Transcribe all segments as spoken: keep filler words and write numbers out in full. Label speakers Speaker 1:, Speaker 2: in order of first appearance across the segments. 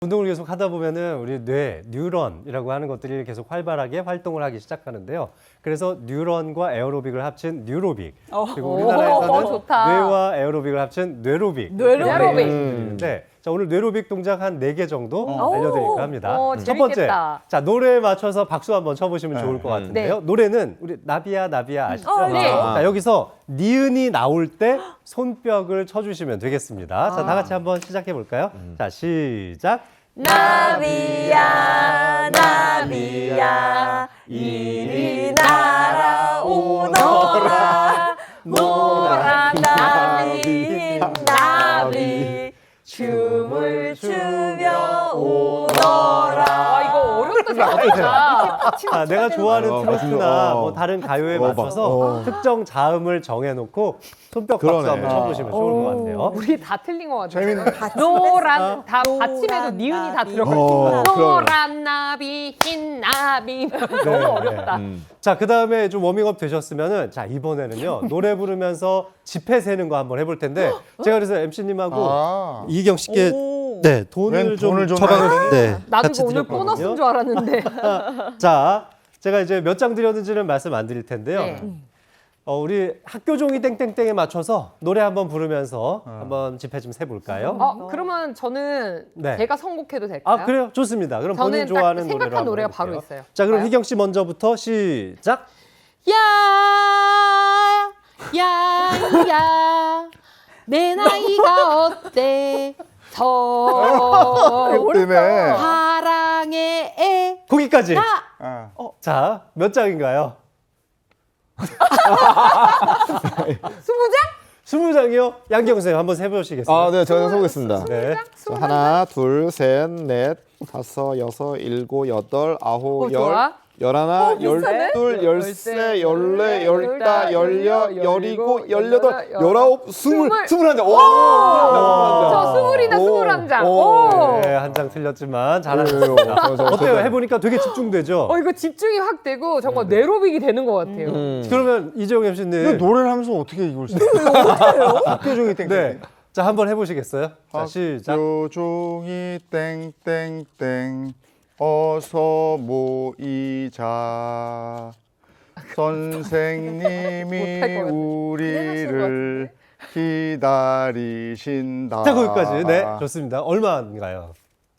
Speaker 1: 운동을 계속 하다 보면은 우리 뇌, 뉴런이라고 하는 것들이 계속 활발하게 활동을 하기 시작하는데요. 그래서 뉴런과 에어로빅을 합친 뉴로빅. 그리고 우리나라에서는
Speaker 2: 오, 좋다.
Speaker 1: 뇌와 에어로빅을 합친 뇌로빅.
Speaker 2: 뇌로빅.
Speaker 1: 네. 자, 오늘 뇌로빅 동작 한 네 개 정도
Speaker 2: 오.
Speaker 1: 알려드릴까 합니다.
Speaker 2: 오,
Speaker 1: 첫 번째.
Speaker 2: 재밌겠다.
Speaker 1: 자, 노래에 맞춰서 박수 한번 쳐보시면
Speaker 3: 네.
Speaker 1: 좋을 것 같은데요.
Speaker 2: 네.
Speaker 1: 노래는 우리 나비야, 나비야 아시죠?
Speaker 2: 어, 네.
Speaker 1: 자, 여기서 니은이 나올 때 손뼉을 쳐주시면 되겠습니다. 자, 다 같이 한번 시작해 볼까요? 자, 시작.
Speaker 2: 나비야 나비야 이리 날아오너라 노란 나비 나비 춤을 추며 오너라. 와 이거 어렵다 생각보다.
Speaker 1: 아, 내가 좋아하는
Speaker 3: 어,
Speaker 1: 트로트나
Speaker 3: 맞습니다.
Speaker 1: 뭐 다른 가요에
Speaker 3: 어,
Speaker 1: 맞춰서
Speaker 3: 어.
Speaker 1: 특정 자음을 정해놓고 손뼉 박수
Speaker 3: 그러네.
Speaker 1: 한번 쳐보시면 좋을 것 같아요.
Speaker 2: 우리 다 틀린 것 같아요.
Speaker 3: 재밌는.
Speaker 2: 노란 다 받침에도 니은이 다 들어가
Speaker 3: 어,
Speaker 2: 있어.
Speaker 3: 그러네.
Speaker 2: 노란 나비 흰 나비 너무 어렵다.
Speaker 3: 음.
Speaker 1: 자, 그 다음에 좀 워밍업 되셨으면은 자, 이번에는요 노래 부르면서 지폐 세는 거 한번 해볼 텐데 제가 그래서 엠씨님하고
Speaker 3: 아.
Speaker 1: 이경 씨께 네 돈을
Speaker 3: 웬
Speaker 1: 좀
Speaker 3: 돈을 좀
Speaker 1: 처방을
Speaker 3: 나야
Speaker 1: 네,
Speaker 2: 나도
Speaker 1: 같이
Speaker 2: 이거 오늘
Speaker 1: 드렸거든요.
Speaker 2: 보너스인 줄 알았는데.
Speaker 1: 자, 제가 이제 몇 장 드렸는지는 말씀 안 드릴 텐데요.
Speaker 2: 네.
Speaker 1: 어, 우리 학교 종이 땡땡땡에 맞춰서 노래 한번 부르면서 한번 지폐 좀 세볼까요?
Speaker 2: 어, 그러면 저는
Speaker 1: 네.
Speaker 2: 제가 선곡해도 될까요?
Speaker 1: 아, 그래요? 좋습니다. 그럼
Speaker 2: 저는
Speaker 1: 본인
Speaker 2: 딱
Speaker 1: 좋아하는
Speaker 2: 생각한
Speaker 1: 노래로 한번
Speaker 2: 노래가
Speaker 1: 해볼게요.
Speaker 2: 바로 있어요.
Speaker 1: 자, 그럼
Speaker 2: 봐요.
Speaker 1: 희경 씨 먼저부터 시작.
Speaker 2: 야, 야, 야, 내 나이가 어때? 서
Speaker 3: 때문에.
Speaker 2: 사랑의 애.
Speaker 1: 거기까지.
Speaker 3: 아.
Speaker 1: 자, 몇 장인가요?
Speaker 2: 스무 장?
Speaker 1: 스무 장이요? 양경 선생님 한번 세보시겠어요?
Speaker 3: 아, 네, 제가 해보겠습니다.
Speaker 1: 네.
Speaker 3: 자,
Speaker 2: 스무 장?
Speaker 3: 하나, 둘, 셋, 넷, 다섯, 여섯, 일곱, 여덟, 아홉,
Speaker 2: 어,
Speaker 3: 열,
Speaker 2: 좋아.
Speaker 3: 열하나,
Speaker 2: 비슷하네?
Speaker 3: 열둘, 열세, 열네, 열다, 열여, 열일곱,
Speaker 2: 열일곱,
Speaker 3: 열여덟,
Speaker 2: 열여덟,
Speaker 3: 열아홉, 스물,
Speaker 2: 스물.
Speaker 3: 스물한 장. 오!
Speaker 2: 저 스물이나
Speaker 3: 오.
Speaker 2: 스물한 장.
Speaker 3: 오.
Speaker 2: 오.
Speaker 1: 네, 한 장 틀렸지만
Speaker 3: 오,
Speaker 1: 잘하셨습니다.
Speaker 3: 저, 저,
Speaker 1: 어때요?
Speaker 3: 저,
Speaker 1: 해보니까 되게 집중되죠?
Speaker 2: 어 이거 집중이 확 되고 정말 뇌로빅이 되는 것 같아요.
Speaker 3: 음.
Speaker 1: 그러면 이재용 엠씨님.
Speaker 4: 노래를 하면서 어떻게 이걸 써? 학교 종이 땡땡.
Speaker 1: 네. 자, 한번 해보시겠어요? 자, 시작.
Speaker 4: 학교 종이 땡땡땡 어서 모이자. 선생님이
Speaker 2: 못할 것 같아.
Speaker 4: 우리를 기다리신다.
Speaker 1: 자, 거기까지. 네, 좋습니다. 얼마인가요?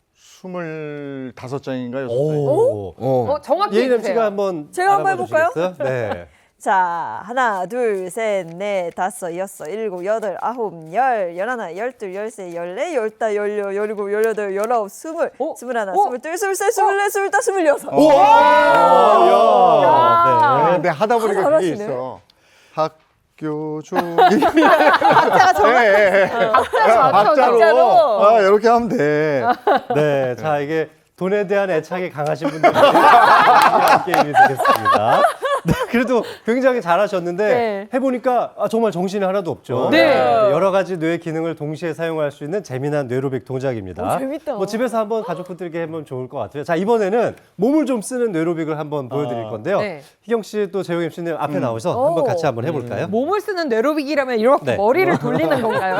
Speaker 4: 스물다섯 장인가요?
Speaker 1: 오.
Speaker 2: 어 정확히
Speaker 1: 예인
Speaker 2: 해주세요.
Speaker 1: 엠씨가 한번
Speaker 5: 제가 한번
Speaker 1: 알아봐
Speaker 5: 해볼까요?
Speaker 1: 주시겠어요? 네.
Speaker 5: 자, 하나, 둘, 셋, 넷, 다섯, 여섯, 일곱, 여덟, 아홉, 열, 열하나, 열둘, 열세, 열네, 열다, 열여, 열일곱, 열여덟, 열아홉, 스물,
Speaker 2: 어?
Speaker 5: 스물하나,
Speaker 2: 어?
Speaker 5: 스물둘, 스물셋, 스물넷, 스물다, 스물여섯.
Speaker 1: 오! 야.
Speaker 4: 아,
Speaker 1: 네.
Speaker 4: 근데 하다 보니까 그게
Speaker 5: 잘하시네.
Speaker 4: 있어. 학교 종이
Speaker 5: 박자가 정확.
Speaker 4: 네, 네.
Speaker 2: 박자로
Speaker 4: 박자로.
Speaker 5: 박자로.
Speaker 4: 아, 이렇게 하면 돼.
Speaker 1: 네, 자 이게 돈에 대한 애착이 강하신 분들이 유리한 게임이 되겠습니다. 네, 그래도 굉장히 잘하셨는데
Speaker 2: 네.
Speaker 1: 해보니까 아, 정말 정신이 하나도 없죠.
Speaker 2: 네.
Speaker 1: 여러 가지 뇌 기능을 동시에 사용할 수 있는 재미난 뇌로빅 동작입니다.
Speaker 5: 오, 재밌다.
Speaker 1: 뭐 집에서 한번 가족분들께 해보면 좋을 것 같아요. 자, 이번에는 몸을 좀 쓰는 뇌로빅을 한번 보여드릴 건데요.
Speaker 2: 네.
Speaker 1: 희경 씨 또 재용 엠씨님 앞에 나오셔서 한번 같이 한번 해볼까요?
Speaker 2: 몸을 쓰는 뇌로빅이라면 이렇게
Speaker 1: 네.
Speaker 2: 머리를 돌리는 건가요?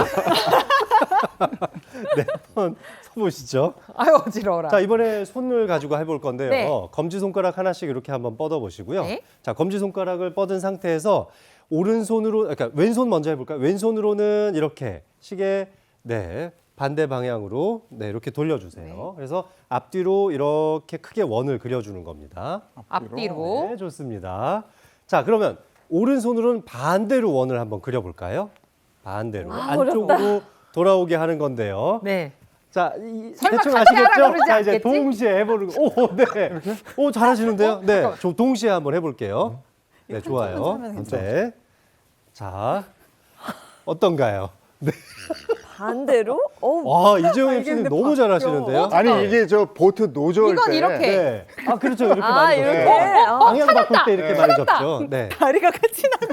Speaker 1: 네, 한번 써보시죠.
Speaker 2: 아유 어지러워라.
Speaker 1: 자, 이번에 손을 가지고 해볼 건데요.
Speaker 2: 네.
Speaker 1: 검지손가락 하나씩 이렇게 한번 뻗어 보시고요.
Speaker 2: 네.
Speaker 1: 자, 검지손가락을 뻗은 상태에서 오른손으로, 그러니까 왼손 먼저 해볼까요? 왼손으로는 이렇게 시계, 네, 반대 방향으로, 네, 이렇게 돌려주세요. 그래서 앞뒤로 이렇게 크게 원을 그려주는 겁니다.
Speaker 2: 앞뒤로.
Speaker 1: 네, 좋습니다. 자, 그러면 오른손으로는 반대로 원을 한번 그려볼까요? 반대로. 안쪽으로 돌아오게 하는 건데요.
Speaker 2: 네.
Speaker 1: 자, 이,
Speaker 2: 설마
Speaker 1: 대충
Speaker 2: 같이 하라
Speaker 1: 아시겠죠?
Speaker 2: 그러지
Speaker 1: 자, 이제
Speaker 2: 않겠지?
Speaker 1: 동시에 해보는 거. 오, 네. 오, 잘하시는데요? 네.
Speaker 2: 잠깐만.
Speaker 1: 저 동시에 한번 해볼게요. 네, 좋아요. 네. 자, 어떤가요? 네.
Speaker 5: 반대로? 어우,
Speaker 1: 와, 이재용 엠씨님 너무 잘하시는데요?
Speaker 4: 아니 이게 저 보트 노저일
Speaker 2: 이건
Speaker 4: 때
Speaker 2: 이렇게.
Speaker 1: 네. 아, 그렇죠. 이렇게
Speaker 5: 아,
Speaker 1: 많이
Speaker 5: 이렇게?
Speaker 1: 접죠.
Speaker 5: 어,
Speaker 1: 방향 바꿀 때 이렇게 많이 접죠. 네.
Speaker 5: 다리가 같이 나.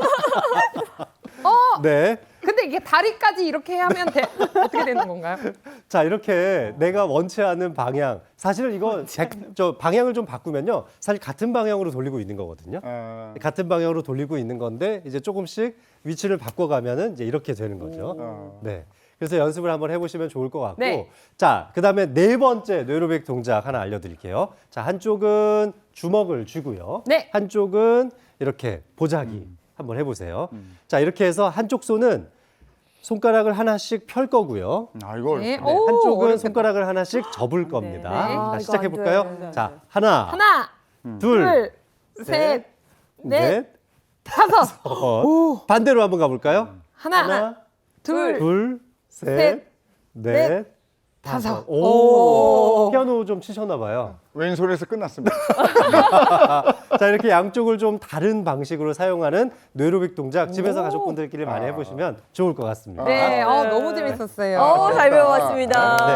Speaker 1: 네.
Speaker 2: 근데 이게 다리까지 이렇게 하면 돼, 어떻게 되는 건가요?
Speaker 1: 자, 이렇게 내가 원치 않는 방향. 사실은 이거 백- 저 방향을 좀 바꾸면요. 사실 같은 방향으로 돌리고 있는 거거든요.
Speaker 4: 아,
Speaker 1: 같은 방향으로 돌리고 있는 건데 이제 조금씩 위치를 바꿔가면은 이제 이렇게 되는 거죠.
Speaker 4: 어.
Speaker 1: 네. 그래서 연습을 한번 해보시면 좋을 것 같고.
Speaker 2: 네.
Speaker 1: 자, 그 다음에 네 번째 뇌로백 동작 하나 알려드릴게요. 자, 한쪽은 주먹을 쥐고요.
Speaker 2: 네.
Speaker 1: 한쪽은 이렇게 보자기 한번 해보세요. 자, 이렇게 해서 한쪽 손은 손가락을 하나씩 펼 거고요.
Speaker 4: 아 이걸
Speaker 2: 네.
Speaker 1: 네,
Speaker 2: 오,
Speaker 1: 한쪽은
Speaker 2: 어렵겠다.
Speaker 1: 손가락을 하나씩 접을 겁니다.
Speaker 2: 네.
Speaker 1: 자,
Speaker 5: 아, 이거 안
Speaker 1: 시작해볼까요?
Speaker 5: 돼.
Speaker 1: 자, 하나,
Speaker 2: 하나,
Speaker 1: 둘,
Speaker 2: 둘,
Speaker 1: 셋,
Speaker 2: 셋, 넷,
Speaker 1: 넷,
Speaker 2: 다섯.
Speaker 1: 어, 반대로 한번 가볼까요?
Speaker 2: 하나,
Speaker 1: 하나,
Speaker 2: 둘,
Speaker 1: 둘, 셋,
Speaker 2: 셋,
Speaker 1: 넷,
Speaker 2: 넷,
Speaker 1: 다섯.
Speaker 2: 다섯.
Speaker 1: 오, 피아노 좀 치셨나 봐요.
Speaker 4: 왼손에서 끝났습니다.
Speaker 1: 자, 이렇게 양쪽을 좀 다른 방식으로 사용하는 뇌로빅 동작 집에서 가족분들끼리 많이 해보시면 좋을 것 같습니다.
Speaker 2: 네, 어, 너무 재밌었어요.
Speaker 5: 어, 잘 배워봤습니다.
Speaker 1: 네.